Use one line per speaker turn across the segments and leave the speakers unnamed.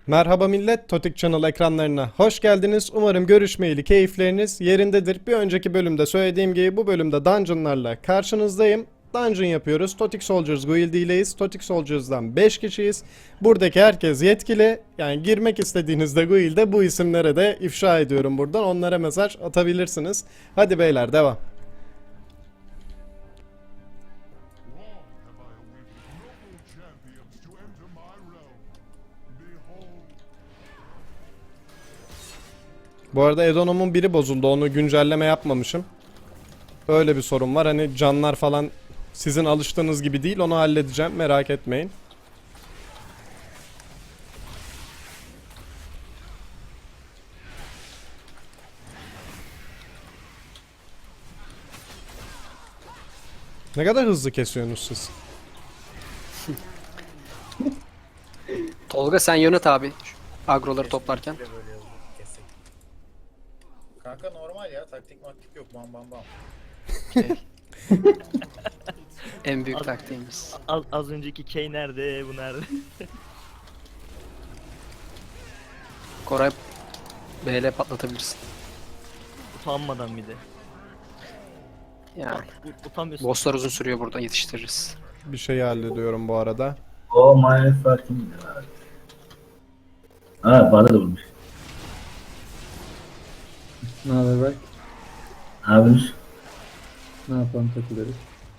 Merhaba millet, Totik Channel ekranlarına hoş geldiniz. Umarım görüşmeyeli keyifleriniz yerindedir. Bir önceki bölümde söylediğim gibi bu bölümde dungeonlarla karşınızdayım. Dungeon yapıyoruz. Totik Soldiers Guild ileyiz. Totik Soldiers'dan 5 kişiyiz. Buradaki herkes yetkili. Yani girmek istediğinizde Guild'e bu isimlere de ifşa ediyorum buradan. Onlara mesaj atabilirsiniz. Hadi beyler devam. Bu arada Edonom'un biri bozuldu. Onu güncelleme yapmamışım. Öyle bir sorun var. Hani canlar falan sizin alıştığınız gibi değil. Onu halledeceğim. Merak etmeyin. Ne kadar hızlı kesiyorsunuz siz?
Tolga sen yönet abi şu agroları toplarken.
Böyle hızlı kesik. Kanka normal ya, taktik maktik yok, bam bam bam.
En büyük taktiğimiz.
Az önceki Kay nerede? Bu nerede?
Koray BL patlatabilirsin.
Utanmadan bir de.
Yani
Utanmıyorsun.
bosslar uzun sürüyor, burada yetiştiririz.
Bir şey hallediyorum bu arada.
Oh my fucking god. Ha bana da vurmuş.
Ne haber bak?
Abimiz.
Ne yapalım takılırız.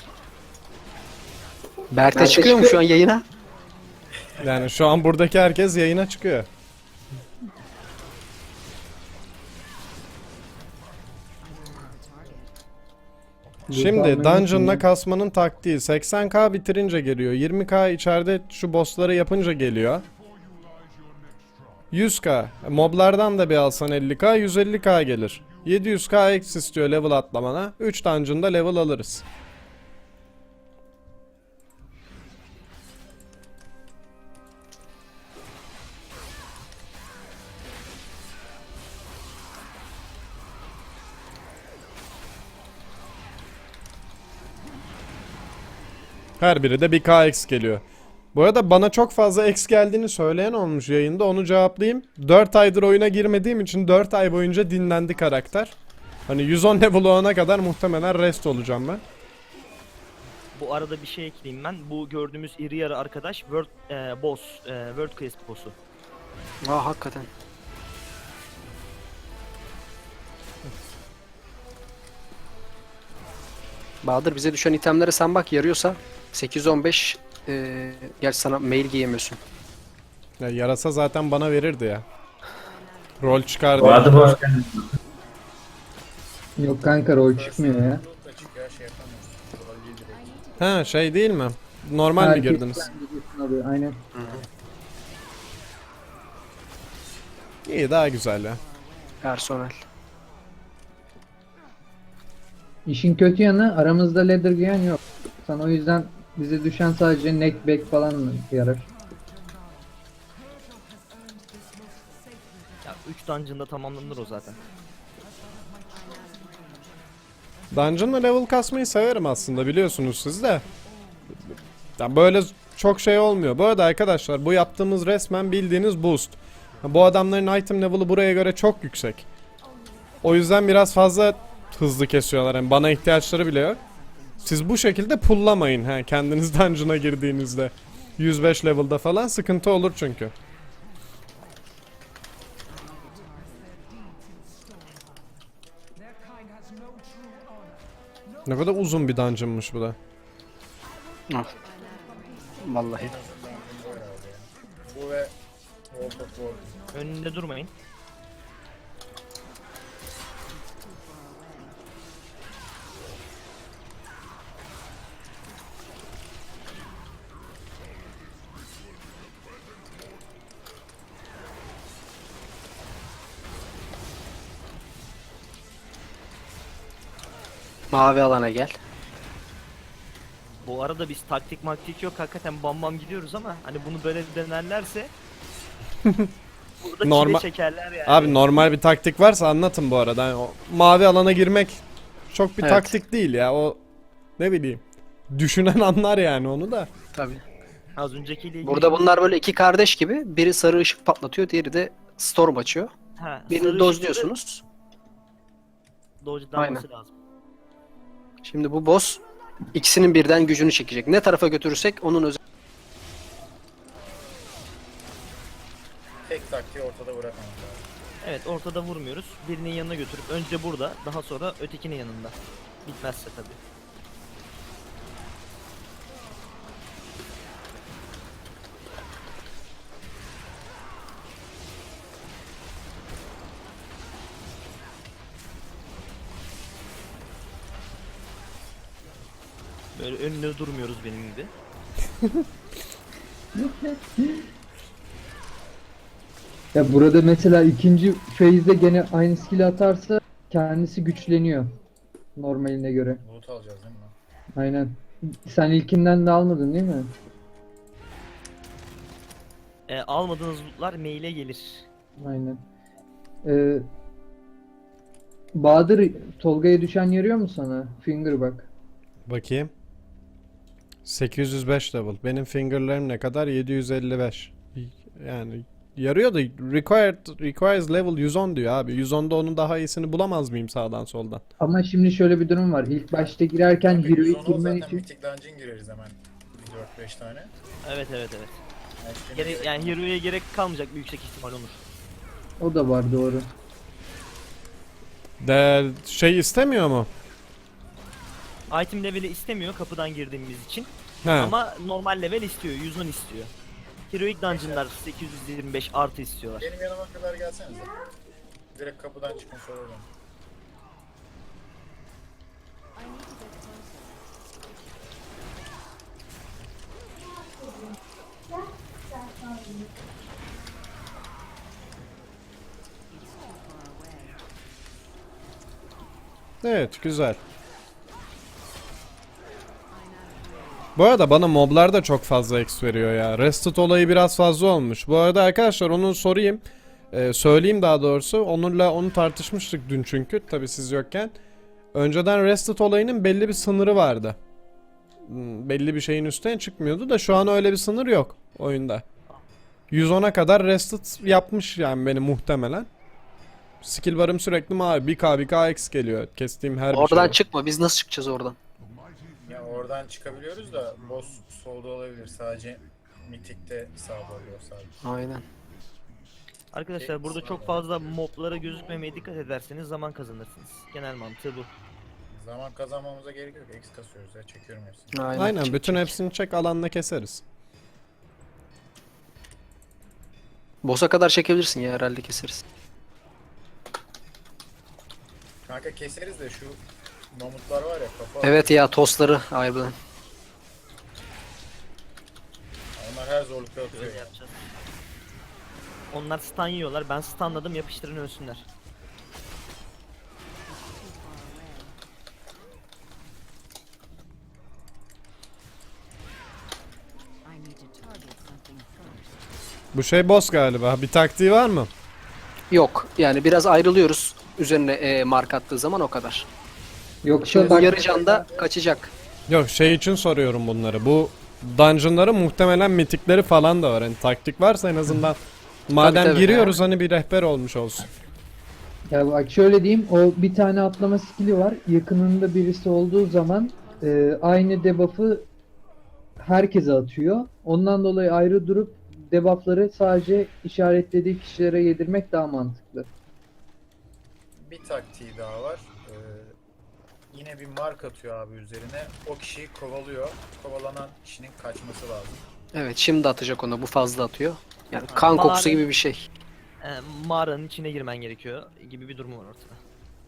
Berk'te çıkıyor mu şu an yayına?
Yani şu an buradaki herkes yayına çıkıyor. Şimdi dungeon'la kasmanın taktiği 80k bitirince geliyor. 20k içeride şu bossları yapınca geliyor. 100k. Moblardan da bir alsan 50k 150k gelir. 700k eksi istiyor level atlamana. 3 dungeon'da level alırız. Her biri de bir KX geliyor. Bu arada bana çok fazla X geldiğini söyleyen olmuş yayında, onu cevaplayayım. 4 aydır oyuna girmediğim için 4 ay boyunca dinlendi karakter. Hani 110 level olana kadar muhtemelen rest olacağım ben.
Bu arada bir şey ekleyeyim ben. Bu gördüğümüz iri yarı arkadaş boss, World Class boss'u.
Aa hakikaten. Bahadır bize düşen itemlere sen bak, yarıyorsa 815 gerçi sana mail giyemiyorsun.
Ya yarasa zaten bana verirdi ya. Rol çıkardı.
Vardı hoş geldin.
Yok kanka rol çıkmıyor ya.
Çok açık ya, şey yapamıyorsun. Rol değil direkt.
Ha şey değil mi? Normal mi
Herkes
girdiniz?
kendisi alıyor, aynen.
İyi, daha güzel ya.
Personel.
İşin kötü yanı aramızda ladder giyen yok. Sana o yüzden bize düşen sadece neck back falan yarar.
Ya 3 dungeon'da tamamlanır o zaten.
Dungeon'la level kasmayı severim aslında, biliyorsunuz siz de. Ya böyle çok şey olmuyor. Bu arada arkadaşlar bu yaptığımız resmen bildiğiniz boost. Bu adamların item level'ı buraya göre çok yüksek. O yüzden biraz fazla hızlı kesiyorlar. Yani bana ihtiyaçları bile yok. Siz bu şekilde pullamayın ha, kendiniz dungeon'a girdiğinizde. 105 level'da falan sıkıntı olur çünkü. Ne kadar uzun bir dungeon'mış bu da.
Ah. Vallahi.
Bu ve World of War.
Önünde durmayın.
Mavi alana gel.
Bu arada biz taktik maktik yok, hakikaten bam bam gidiyoruz ama hani bunu böyle denerlerse burada
Normal-
çile çekerler yani.
Abi normal bir taktik varsa anlatın bu arada. Yani o mavi alana girmek çok bir
Evet.
taktik değil ya. O ne bileyim. Düşünen anlar yani onu da.
Tabii.
Az öncekiyle ilgili...
Burada bunlar böyle iki kardeş gibi. Biri sarı ışık patlatıyor, diğeri de storm açıyor.
Ha,
Birini
sarı
dozluyorsunuz.
ışıkları dodge'lanması lazım.
Şimdi bu boss ikisinin birden gücünü çekecek. Ne tarafa götürürsek onun özel...
Tek taktiği ortada bırakmamız lazım.
Evet, ortada vurmuyoruz. Birinin yanına götürüp önce burada, daha sonra ötekinin yanında. Bitmezse tabii. Böyle önüne durmuyoruz benim gibi.
Ya burada mesela ikinci phase'de gene aynı skill atarsa kendisi güçleniyor. Normaline göre.
Loot alacağız değil mi?
Aynen. Sen ilkinden de almadın değil mi?
Almadığınız lootlar maile gelir.
Aynen. Ee, Bahadır, Tolga'ya düşen yarıyor mu sana? Finger bak.
Bakayım. 805 level. Benim fingerlerim ne kadar? 755. Yani yarıyor da requires level 110 diyor abi. 110'da onun daha iyisini bulamaz mıyım sağdan soldan?
Ama şimdi şöyle bir durum var. İlk başta girerken
Kanka,
heroic
110
girmen
zaten
için
Mythic Dungeon gireriz hemen. 4-5 tane.
Evet.
Yani şimdi
Yani Hero'ya gerek kalmayacak bir yüksek ihtimal Onur.
o da var doğru.
De şey istemiyor mu?
Item level'i istemiyor kapıdan girdiğimiz için.
He.
Ama normal level istiyor, 110 istiyor. Heroic Dungeon'lar 825 artı istiyorlar.
benim yanıma kadar gelsenize. Direkt kapıdan çıkın sorarım.
Evet, güzel. Bu arada bana moblar da çok fazla X veriyor ya. Rested olayı biraz fazla olmuş. Bu arada arkadaşlar onu sorayım. Söyleyeyim daha doğrusu. Onur'la onu tartışmıştık dün çünkü. Tabii siz yokken. Önceden Rested olayının belli bir sınırı vardı. Belli bir şeyin üstüne çıkmıyordu da şu an öyle bir sınır yok oyunda. 110'a kadar Rested yapmış yani beni muhtemelen. Skill barım sürekli mavi. 1k X geliyor. Kestiğim her bir
Oradan
şeye.
çıkma. Biz nasıl çıkacağız oradan?
Ya oradan çıkabiliyoruz da boss solda olabilir. Sadece Mythic'te sağda oluyor sadece.
Aynen.
Arkadaşlar burada çok fazla moblara gözükmemeye dikkat ederseniz zaman kazanırsınız. Genel mantığı bu.
Zaman kazanmamıza gerek yok. X kasıyoruz ya. Çekiyorum hepsini.
Aynen
Çek,
bütün
çek.
hepsini çek alanla keseriz.
Boss'a kadar çekebilirsin ya, herhalde keseriz.
Kanka keseriz de şu mamutlar var ya kafa.
Evet ya, tosları harbiden.
Onlar her zorlukta atıyor
Böyle
ya.
yapacağız. Onlar stun yiyorlar. Ben stunladım, yapıştırın ölsünler.
I need to target something first.
Bu şey boss galiba. Bir taktiği var mı?
Yok yani biraz ayrılıyoruz. Üzerine mark attığı zaman o kadar.
Yoksa
Şimdi bu
bak,
yarı canda kaçacak.
Yok şey için soruyorum bunları. Bu dungeon'ların muhtemelen mitikleri falan da var. Hani taktik varsa en azından madem
tabii.
giriyoruz hani bir rehber olmuş olsun.
ya bak şöyle diyeyim, o bir tane atlama skill'i var. Yakınında birisi olduğu zaman aynı debuff'ı herkese atıyor. Ondan dolayı ayrı durup debuff'ları sadece işaretlediği kişilere yedirmek daha mantıklı.
Bir taktiği daha var. Yine bir mark atıyor abi üzerine. O kişiyi kovalıyor. Kovalanan kişinin kaçması lazım.
Evet, şimdi atacak onu. Bu fazla atıyor. Yani kan kokusu gibi bir şey.
Mağaranın içine girmen gerekiyor gibi bir durum var ortada.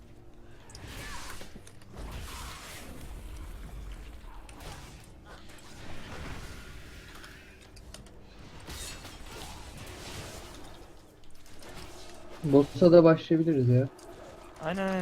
Boss'a da başlayabiliriz ya.
Aynen.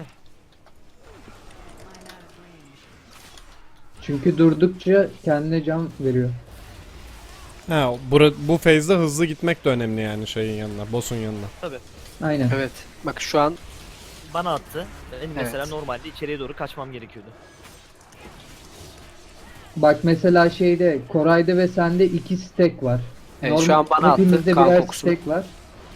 Çünkü durdukça kendine can veriyor.
Ha, bu phase'de hızlı gitmek de önemli yani şeyin yanına, boss'un yanına.
Tabii.
Aynen.
Evet. Bak şu an
Bana attı. Benim mesela
Evet.
normalde içeriye doğru kaçmam gerekiyordu.
Bak mesela şeyde Koray'da ve sende 2 stack var.
Evet, şu an bana attı
hepimizde
kan
birer
kokusunu.
stack var.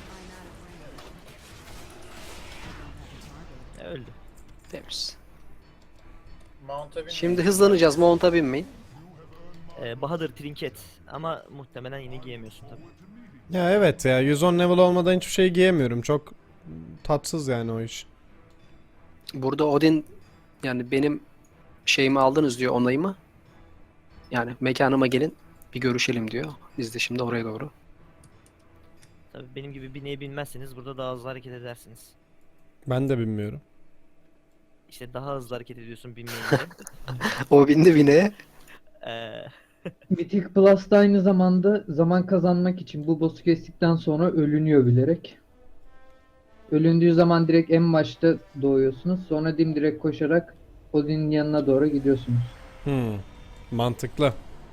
Öldü.
Temiz.
Mount'a binmeyin.
Şimdi hızlanacağız. Mount'a binmeyin.
Bahadır trinket ama muhtemelen yine giyemiyorsun tabii.
Ya evet ya 110 level olmadan hiçbir şey giyemiyorum. Çok tatsız yani o iş.
Burada Odin yani benim şeyimi aldınız diyor, onayımı. Yani mekanıma gelin bir görüşelim diyor. Biz de şimdi oraya doğru.
Tabii benim gibi bineğe binmezseniz burada daha hızlı hareket edersiniz.
Ben de bilmiyorum.
İşte daha hızlı hareket ediyorsun binmeyince.
O bindi bineye.
Ee,
Mythic Plus da aynı zamanda zaman kazanmak için bu boss'u kestikten sonra ölünüyor bilerek. Ölündüğü zaman direkt en başta doğuyorsunuz. Sonra dimdirek koşarak Odin'in yanına doğru gidiyorsunuz.
Mantıklı.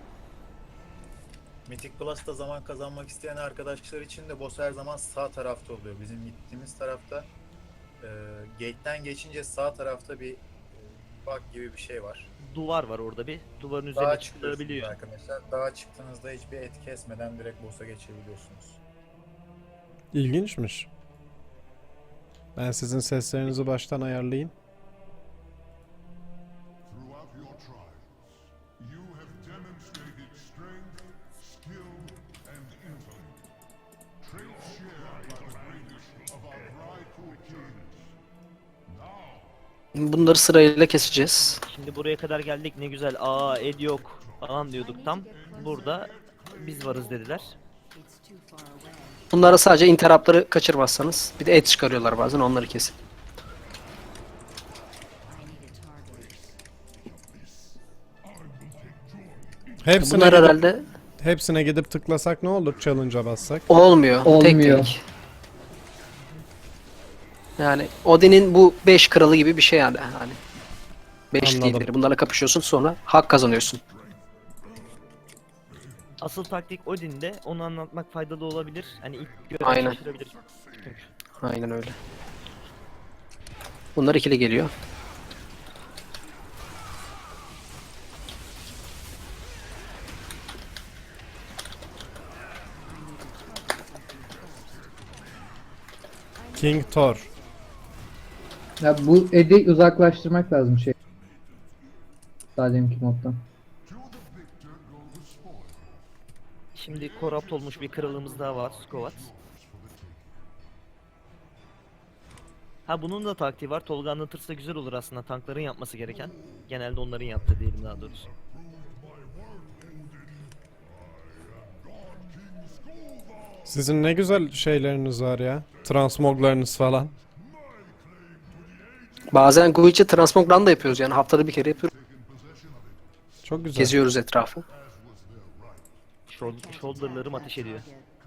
Mythic Plus'ta zaman kazanmak isteyen arkadaşlar için de boss her zaman sağ tarafta oluyor. Bizim gittiğimiz tarafta gate'den geçince sağ tarafta bir bug gibi bir şey var.
duvar var orada bir. Duvarın
Dağa
üzerine
çıkıyorsunuz
çıkılabiliyor.
arkadaşlar. Dağa çıktığınızda hiçbir et kesmeden direkt boss'a geçebiliyorsunuz.
İlginçmiş. Ben sizin seslerinizi baştan ayarlayayım.
Throughout your trials, you have demonstrated strength, skill, and intellect. Traits shared by the greatest of our Drycool kings.
Bunları sırayla keseceğiz.
Şimdi buraya kadar geldik ne güzel. Aa Ed yok falan diyorduk tam. Burada biz varız dediler.
It's too far away.
Bunlara sadece interruptları kaçırmazsanız. Bir de et çıkarıyorlar bazen, onları kesin.
I need a target.
Hepsine
Bunlar
gidip,
herhalde
hepsine gidip tıklasak ne olur? Challenge'a bassak.
olmuyor.
Olmuyor.
Tek tek. Yani Odin'in bu 5 kralı gibi bir şey yani. Hani 5
Anladım.
değildir. Bunlarla kapışıyorsun, sonra hak kazanıyorsun.
Asıl taktik Odin'de, onu anlatmak faydalı olabilir. Hani ilk gören
Aynen.
şaşırabilir. Çünkü.
Aynen öyle. Bunlar ikili geliyor.
King Thor.
Ya bu Ed'i uzaklaştırmak lazım şey. Daha deminki moddan.
Şimdi korrupt olmuş bir kralımız daha var, Skovat. Ha bunun da taktiği var. Tolga anlatırsa güzel olur aslında. Tankların yapması gereken. Genelde onların yaptığı diyelim daha doğrusu.
Sizin ne güzel şeyleriniz var ya. Transmoglarınız falan.
Bazen Guichi Transmog Run da yapıyoruz, yani haftada bir kere yapıyoruz.
Çok güzel.
Geziyoruz etrafı.
Shoulder'larım ateş ediyor.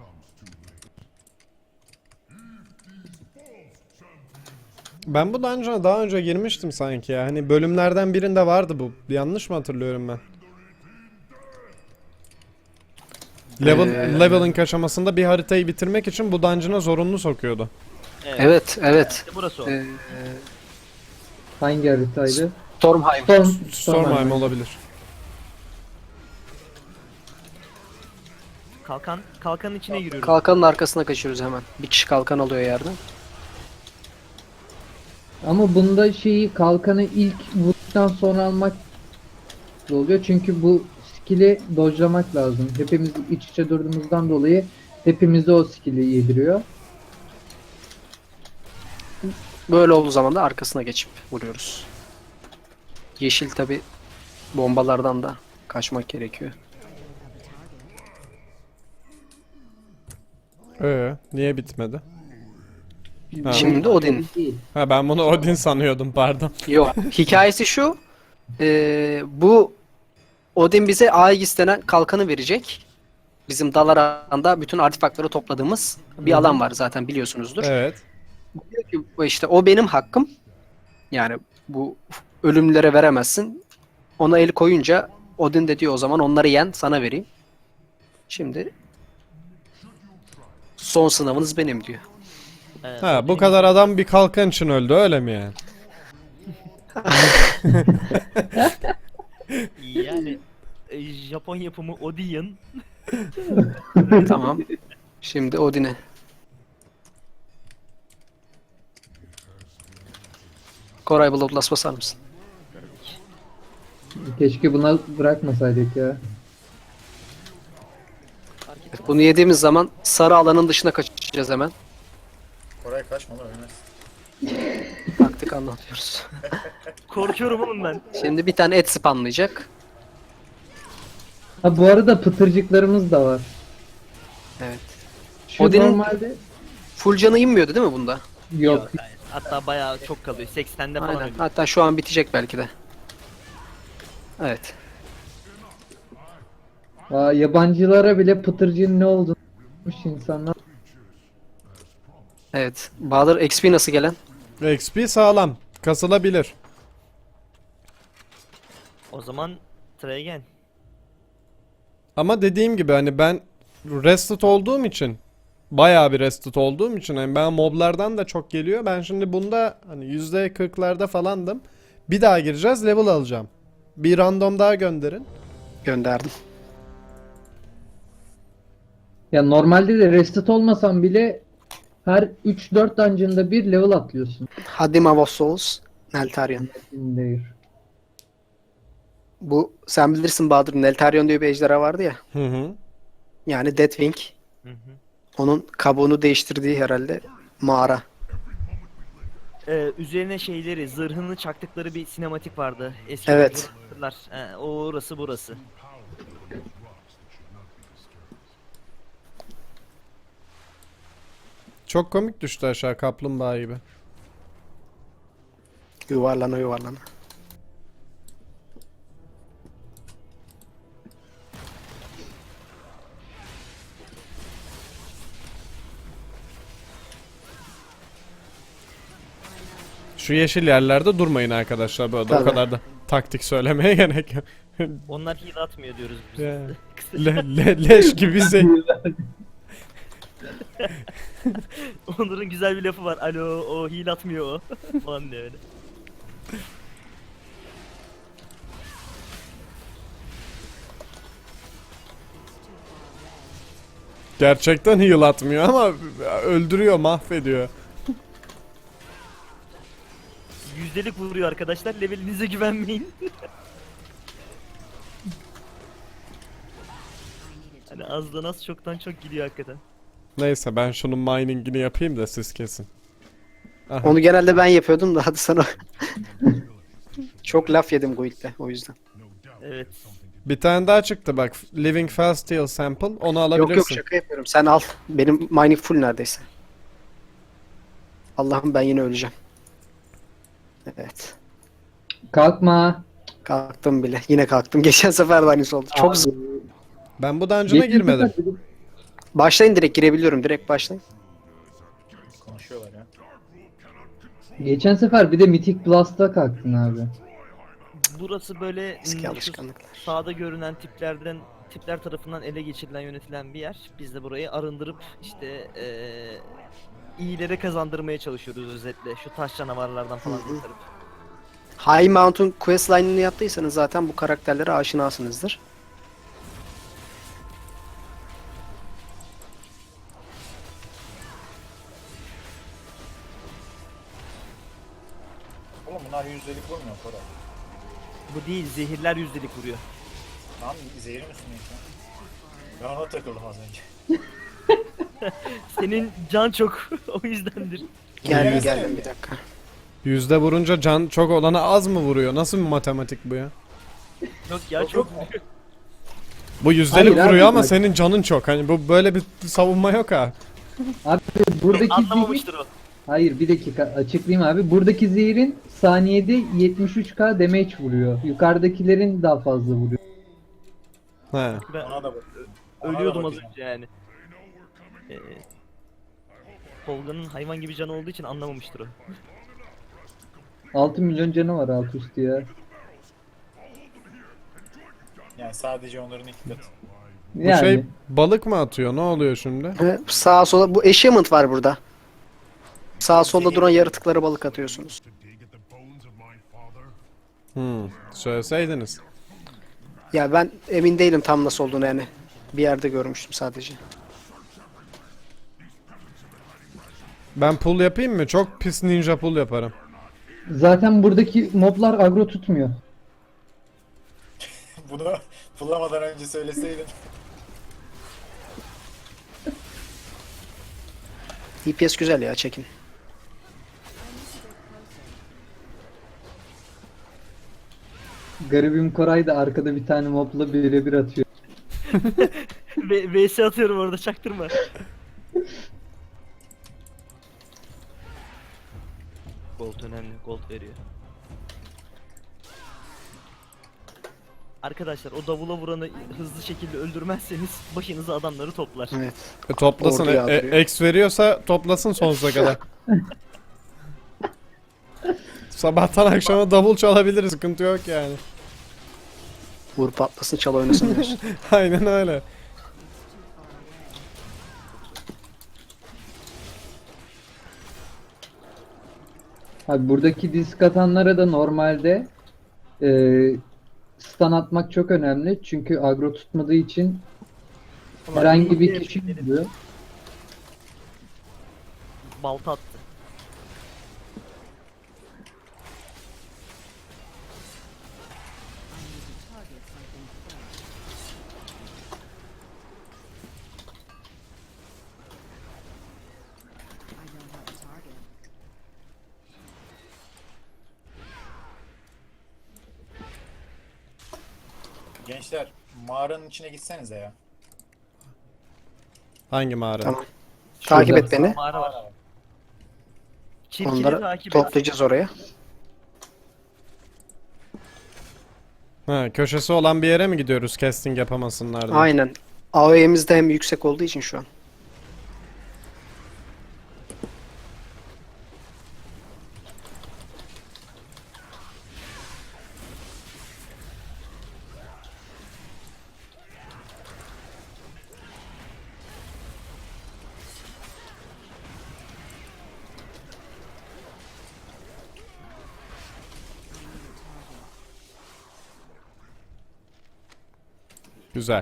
Ben bu dungeon'a daha önce girmiştim sanki ya. Hani bölümlerden birinde vardı bu. Yanlış mı hatırlıyorum ben? Leveling aşamasında bir haritayı bitirmek için bu dungeon'a zorunlu sokuyordu.
Evet, evet.
İşte burası o.
Hangi haritaydı?
Stormheim.
Stormheim olabilir.
Kalkanın içine giriyoruz.
Kalkanın arkasına kaçıyoruz hemen. Bir kişi kalkan alıyor yerden.
Ama bunda şeyi kalkanı ilk vurduktan sonra almak oluyor. Çünkü bu skill'i dodge'lamak lazım. Hepimiz iç içe durduğumuzdan dolayı hepimize o skill'i yediriyor.
Böyle olduğu zaman da arkasına geçip vuruyoruz. Yeşil tabi bombalardan da kaçmak gerekiyor.
Niye bitmedi? Ha.
Şimdi Odin.
Değil.
Ha ben bunu Odin sanıyordum, pardon.
Yok. Hikayesi şu. Bu Odin bize Aegis denen kalkanı verecek. Bizim Dalaran'da bütün artefaktları topladığımız bir alan var zaten, biliyorsunuzdur.
Evet.
Diyor ki işte o benim hakkım. Yani bu ölümlülere veremezsin. Ona el koyunca Odin de diyor o zaman onları yen, sana vereyim. Şimdi son sınavınız benim diyor.
Ha bu kadar adam bir kalkan için öldü, öyle mi yani?
Yani Japon yapımı Odion.
Tamam. Şimdi Odin'e. Koray Bloodlust basar mısın?
Keşke buna bırakmasaydık ya.
Bunu yediğimiz zaman sarı alanın dışına kaçacağız hemen.
Koray kaçma lan ölmez.
Taktik anlatıyoruz.
Korkuyorum oğlum ben.
Şimdi bir tane et spamlayacak.
Ha bu arada pıtırcıklarımız da var.
Evet.
Şu
Odin'in-
normalde
Full canı inmiyordu değil mi bunda?
yok.
Hayır. Hatta bayağı çok kalıyor. 80'de falan
Aynen.
ölüyor.
Hatta şu an bitecek belki de. Evet.
Yabancılara bile pıtırcığın ne olduğunu bilmiş insanlar.
Evet. Bahadır XP nasıl gelen?
XP sağlam. Kasılabilir.
O zaman try again.
Ama dediğim gibi hani ben rested olduğum için, bayağı bir rested olduğum için hani ben moblardan da çok geliyor. Ben şimdi bunda hani %40'larda falandım. Bir daha gireceğiz, level alacağım. Bir random daha gönderin.
Gönderdim.
Ya normalde de restet olmasan bile her 3-4 dungeon'da bir level atlıyorsun.
Hadim of Souls. Neltarion.
Değil.
Bu sen bilirsin Bahadır. Neltarion diye bir ejderha vardı ya.
Hı hı.
Yani Deathwing.
Hı hı.
Onun kabuğunu değiştirdiği herhalde mağara.
Üzerine şeyleri, zırhını çaktıkları bir sinematik vardı. Eski
Evet.
hatırlar. O orası burası.
Çok komik düştü aşağı kaplumbağa gibi.
Yuvarlana yuvarlana.
Şu yeşil yerlerde durmayın arkadaşlar bu arada. O
Tabii.
kadar da taktik söylemeye gerek yok.
Onlar heal atmıyor diyoruz biz.
Ya. Leş gibi
Onur'un güzel bir lafı var. Alo o heal atmıyor o. Falan diyor öyle.
Gerçekten heal atmıyor ama öldürüyor, mahvediyor.
Yüzdelik vuruyor arkadaşlar. Levelinize güvenmeyin. Hani azdan az çoktan çok gidiyor hakikaten.
Neyse ben şunun miningini yapayım da siz kesin. Aha.
Onu genelde ben yapıyordum da hadi sana. Çok laf yedim Guild'de o yüzden.
Evet.
Bir tane daha çıktı bak. Living Fast Steel Sample. Onu
Yok
alabilirsin.
yok şaka yapıyorum. Sen al. Benim mining full neredeyse. Allah'ım ben yine öleceğim. Evet.
Kalkma.
Kalktım bile. Yine kalktım. Geçen sefer de aynısı oldu. Çok zor.
Ben bu dungeon'a girmedim.
Başlayın direkt girebiliyorum. Direkt başlayın.
Konuşuyorlar ya.
Geçen sefer bir de Mythic Blast'a kalktın abi.
Burası böyle
Eski
şu
alışkanlıklar.
sağda görünen tipler tarafından ele geçirilen yönetilen bir yer. Biz de burayı arındırıp işte iyilere kazandırmaya çalışıyoruz özetle. Şu taş canavarlardan falan kurtarıp.
High Mountain questline'ını yaptıysanız zaten bu karakterlere aşinasınızdır.
Oğlum bunlar yüzdelik vurmuyor Koray.
Bu değil, zehirler yüzdelik vuruyor.
Tamam zehrin üstündeyim şu an. Ben ona takıldım az önce.
Senin can çok o yüzdendir.
Geldim bir dakika.
Yüzde vurunca can çok olana az mı vuruyor? Nasıl bir matematik bu ya?
Yok ya
Yok,
çok
yok.
vuruyor.
Bu yüzdelik
Hayır abi,
vuruyor ama
bak.
senin canın çok. Hani bu böyle bir savunma yok ha.
Abi buradaki zehir...
Anlamamıştır o.
Hayır bir dakika açıklayayım abi. Buradaki zehirin saniyede 73k damage vuruyor. Yukarıdakilerin daha fazla vuruyor.
He.
Ben
Ona da bak. Ona da
ölüyordum az
bakayım.
önce yani. Tolga'nın hayvan gibi canı olduğu için anlamamıştır o.
6 milyon canı var alt üstü ya.
Yani sadece onların iki katı.
Bu
Yani
şey balık mı atıyor? Ne oluyor şimdi?
Ve sağa sola bu achievement var burada. Sağa solda duran yaratıklara balık atıyorsunuz.
Söyleseydiniz.
Ya ben emin değilim tam nasıl olduğunu yani. Bir yerde görmüştüm sadece.
Ben pull yapayım mı? Çok pis ninja pull yaparım.
Zaten buradaki moblar agro tutmuyor.
Bunu bulamadan önce söyleseydin.
DPS güzel ya, çekin.
Garibim Koray da arkada bir tane mobla birebir atıyor.
VS atıyorum orada, çaktırma. Gold önemli, gold veriyor. Arkadaşlar o davula vuranı hızlı şekilde öldürmezseniz başınıza adamları toplar.
Evet.
Toplasın.
Orduya atıyor.
X veriyorsa toplasın sonsuza kadar. Sabahtan akşama davul çalabiliriz. Sıkıntı yok yani.
Vur patlasın, çal oynasın diyorsun.
Aynen öyle.
Abi buradaki disk atanlara da normalde stun atmak çok önemli. Çünkü agro tutmadığı için herhangi bir kişi vuruyor.
Balta attı.
I need to target something first. I don't have a target.
Gençler mağaranın içine gitsenize ya.
Hangi mağara?
Tamam. Takip et beni.
Mağara var. Çirkini
Onları
takip et.
toplayacağız oraya.
Ha, köşesi olan bir yere mi gidiyoruz casting yapamasınlar diye?
Aynen. AOE'miz de hem yüksek olduğu için şu an.
Güzel.
I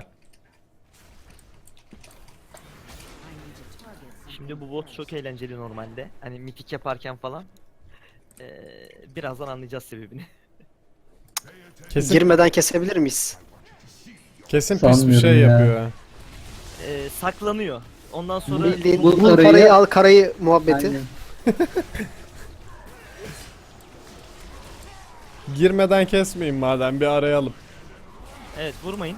need to target something.
Şimdi bu bot çok eğlenceli normalde. Hani mitik yaparken falan. Birazdan anlayacağız sebebini.
Kesin
Girmeden kesebilir miyiz?
kesin pis bir
Sanmıyorum
şey
ya.
yapıyor. ha.
Saklanıyor. Ondan sonra
Bildiğin-
Bul
parayı-
parayı al karayı muhabbeti.
Aynen.
Girmeden kesmeyin madem bir arayalım.
evet, vurmayın.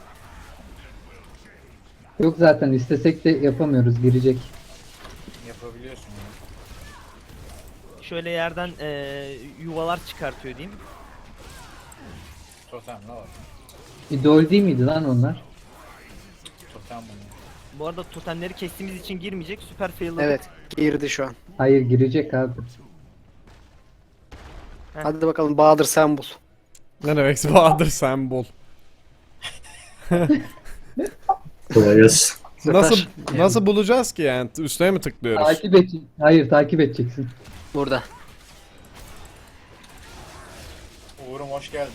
Yok zaten istesek de yapamıyoruz, girecek.
Yapabiliyorsun ya.
Şöyle yerden yuvalar çıkartıyor diyeyim.
Totem ne var?
İdol değil miydi lan onlar?
Totem bunu.
Bu arada totemleri kestiğimiz için girmeyecek. Süper fail'ladık.
Evet, girdi şu an.
Hayır, girecek abi.
Heh.
Hadi bakalım Bahadır sen bul.
Ne demek Bahadır sen bul.
Kolay gelsin.
Nasıl
Zafer.
nasıl bulacağız ki yani? Üstüne mi tıklıyoruz?
Takip et. Hayır, takip edeceksin.
Burada.
Uğur'um hoş geldin.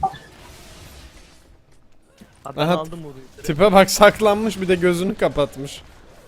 Abi ben
Aha.
aldım Uğur'u.
Tipe bak saklanmış bir de gözünü kapatmış.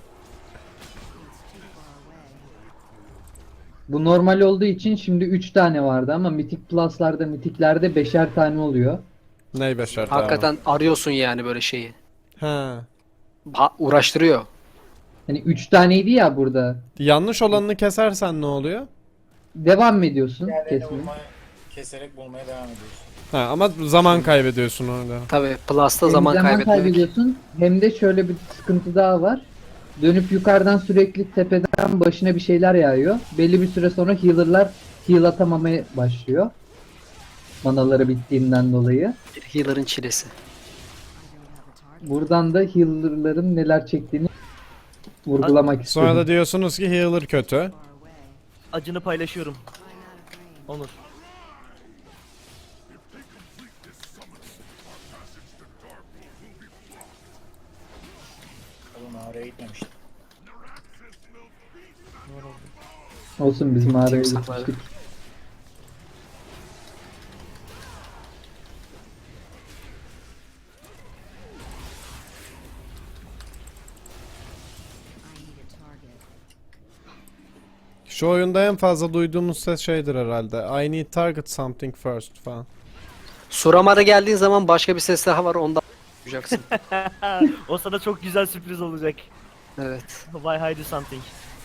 Bu normal olduğu için şimdi 3 tane vardı ama Mythic Plus'larda, Mythic'lerde 5'er tane oluyor.
Ney beşer tane?
Hakikaten arıyorsun yani böyle şeyi.
Ha.
Uğraştırıyor.
Hani 3 taneydi ya burada.
Yanlış olanını kesersen ne oluyor?
Devam mı ediyorsun
Diğerlerini
kesmeye?
keserek bulmaya devam ediyorsun.
Ha, ama zaman kaybediyorsun orada.
Tabii Plus'ta
Hem
zaman kaybetmek.
kaybediyorsun hem de şöyle bir sıkıntı daha var. Dönüp yukarıdan sürekli tepeden başına bir şeyler yağıyor. Belli bir süre sonra healer'lar heal atamamaya başlıyor. Manaları bittiğinden dolayı.
Healer'ın çilesi.
Buradan da healer'ların neler çektiğini vurgulamak istiyorum.
Sonra da diyorsunuz ki healer kötü.
Acını paylaşıyorum. Onur.
Oğlum mağaraya gitmemiştim.
Olsun biz mağaraya
Timsahlar.
gitmiştik.
Şu oyunda en fazla duyduğumuz ses şeydir herhalde. I need target something first falan.
Suramar'a geldiğin zaman başka bir ses daha var, ondan duyacaksın.
O sana çok güzel sürpriz olacak.
Evet.
Why hide something?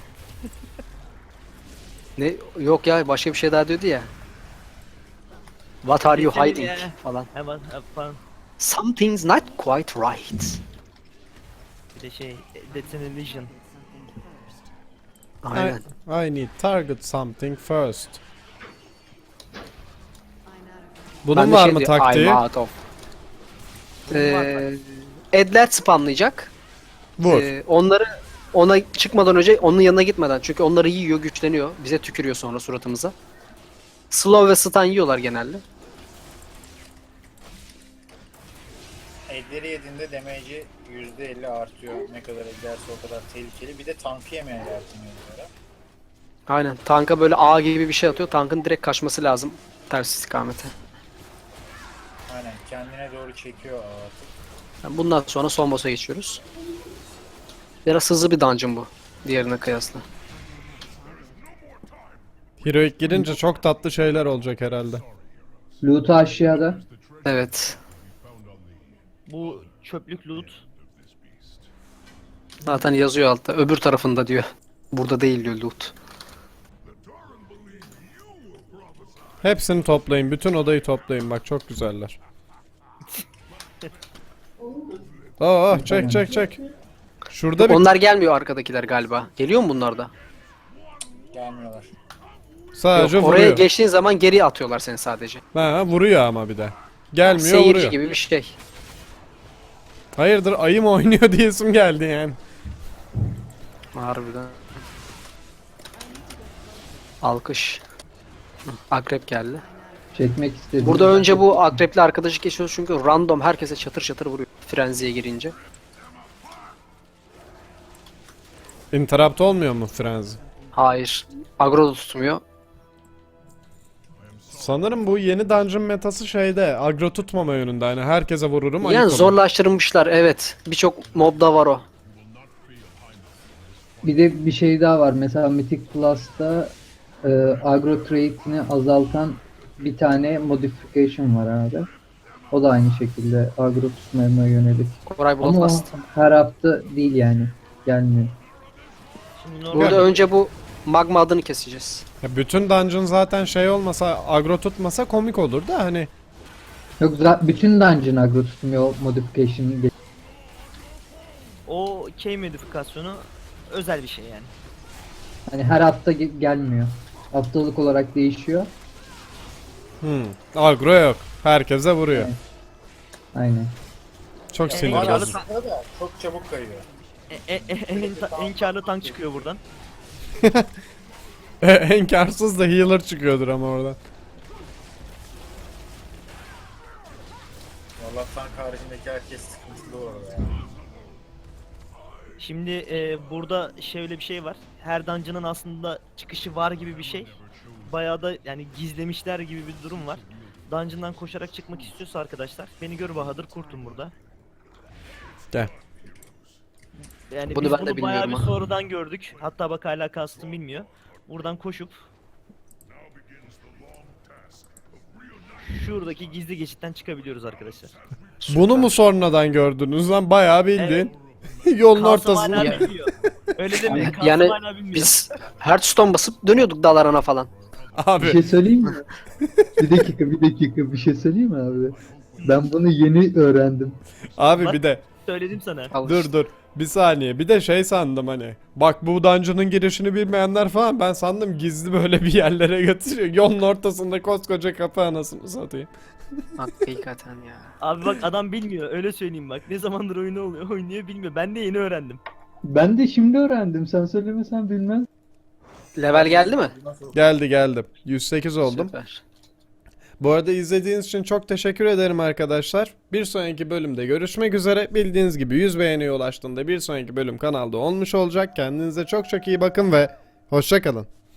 Ne? Yok ya, başka bir şey daha diyordu ya. What are you
Geçelim
hiding
ya.
falan.
Hemen falan.
Something's not quite right.
Bir de şey, that's an illusion.
Aynen.
I need target something first. Bunun
Ben de
var
şey
mı
diyor,
taktiği?
I'm out of. Edler spamlayacak.
Vur.
Ona çıkmadan önce onun yanına gitmeden, çünkü onları yiyor, güçleniyor. Bize tükürüyor sonra suratımıza. Slow ve stun yiyorlar genelde.
Elleri yediğinde damage'i %50 artıyor. Ne kadar ederse o kadar tehlikeli. Bir de tankı yemeye yardımcı ediyor.
Aynen. Tanka böyle ağ gibi bir şey atıyor. Tankın direkt kaçması lazım ters istikamete.
Aynen, kendine doğru çekiyor artık.
Yani bundan sonra son boss'a geçiyoruz. Biraz hızlı bir dungeon bu. Diğerine kıyasla.
Heroic girince çok tatlı şeyler olacak herhalde.
Loot'u aşağıda.
Evet.
Bu çöplük loot.
Zaten yazıyor altta. Öbür tarafında diyor. Burada değil diyor loot.
Hepsini toplayın. Bütün odayı toplayın. Bak çok güzeller. Çek. Şurada bir...
Onlar gelmiyor, arkadakiler galiba. Geliyor mu bunlar da?
Gelmiyorlar.
Sadece
Yok, oraya
vuruyor.
geçtiğin zaman geri atıyorlar seni sadece.
Ha, vuruyor ama bir de. Gelmiyor,
Seyirci
vuruyor.
gibi bir şey.
Hayırdır, ayı mı oynuyor diyesim geldi yani.
Harbiden. Alkış. Hı, akrep geldi.
Çekmek istedim.
Burada önce bu akrepli arkadaşı geçiyoruz çünkü random herkese çatır çatır vuruyor. Frenziye girince.
Interrupt olmuyor mu Frenzy?
Hayır. Agro da tutmuyor.
Sanırım bu yeni dungeon metası şeyde, agro tutmama yönünde. Hani herkese vururum, ayık
Yani
olur.
zorlaştırmışlar, evet. Birçok mobda var o.
Bir de bir şey daha var. Mesela Mythic Plus'ta agro trait'ini azaltan bir tane modification var abi. O da aynı şekilde agro tutmaya yönelik.
Koray
Ama o
Bloodlust.
her hafta değil yani. Gelmiyor.
Şimdi normal
Burada önce bu magma adını keseceğiz.
Ya bütün dungeon zaten şey olmasa, agro tutmasa komik olur da hani.
Yok bütün dungeon agro tutmuyor modification.
o key modifikasyonu özel bir şey yani.
Hani her hafta gelmiyor. Haftalık olarak değişiyor.
Agro yok. Herkese vuruyor.
Evet. Aynen.
Çok sinir
Yani
bozucu.
Aslında da çok çabuk kayıyor.
En karlı tank çıkıyor buradan.
En karsız da healer çıkıyordur ama oradan.
Valla tank haricindeki herkes sıkıntılı orada ya.
Şimdi burada şöyle bir şey var. Her dungeon'ın aslında çıkışı var gibi bir şey. Bayağı da yani gizlemişler gibi bir durum var. Dungeon'dan koşarak çıkmak istiyorsa arkadaşlar, beni gör Bahadır, kurtum burada.
Gel.
Yani
Bunu
biz
ben de
bunu bayağı bir
bilmiyorum ha.
sonradan gördük. Hatta bak hala kastım bilmiyor. Buradan koşup şuradaki gizli geçitten çıkabiliyoruz arkadaşlar.
Bunu mu sonradan gördünüz lan? Bayağı bildiğin. Yolun
Kasım
ortasında.
hala bilmiyor. Öyle demeyin. Kasım
Yani
hala bilmiyor.
biz Hearthstone basıp dönüyorduk dalarana falan.
Bir
Abi.
şey söyleyeyim mi? bir dakika bir şey söyleyeyim mi abi? Ben bunu yeni öğrendim.
Abi bir de.
Söyledim sana.
Al
Dur
işte.
dur. Bir saniye. Bir de şey sandım hani. Bak bu dungeon'ın girişini bilmeyenler falan, ben sandım gizli böyle bir yerlere götürüyor. Yolun ortasında koskoca kapı, anasını satayım.
Hakikaten ya.
Abi bak adam bilmiyor, öyle söyleyeyim bak. Ne zamandır oynuyor bilmiyor. Ben de yeni öğrendim.
Ben de şimdi öğrendim. Sen söylemesen bilmez.
Level geldi mi?
Geldi. 108 oldum.
Süper.
Bu arada izlediğiniz için çok teşekkür ederim arkadaşlar. Bir sonraki bölümde görüşmek üzere. Bildiğiniz gibi 100 beğeniye ulaştığında bir sonraki bölüm kanalda olmuş olacak. Kendinize çok çok iyi bakın ve hoşça kalın.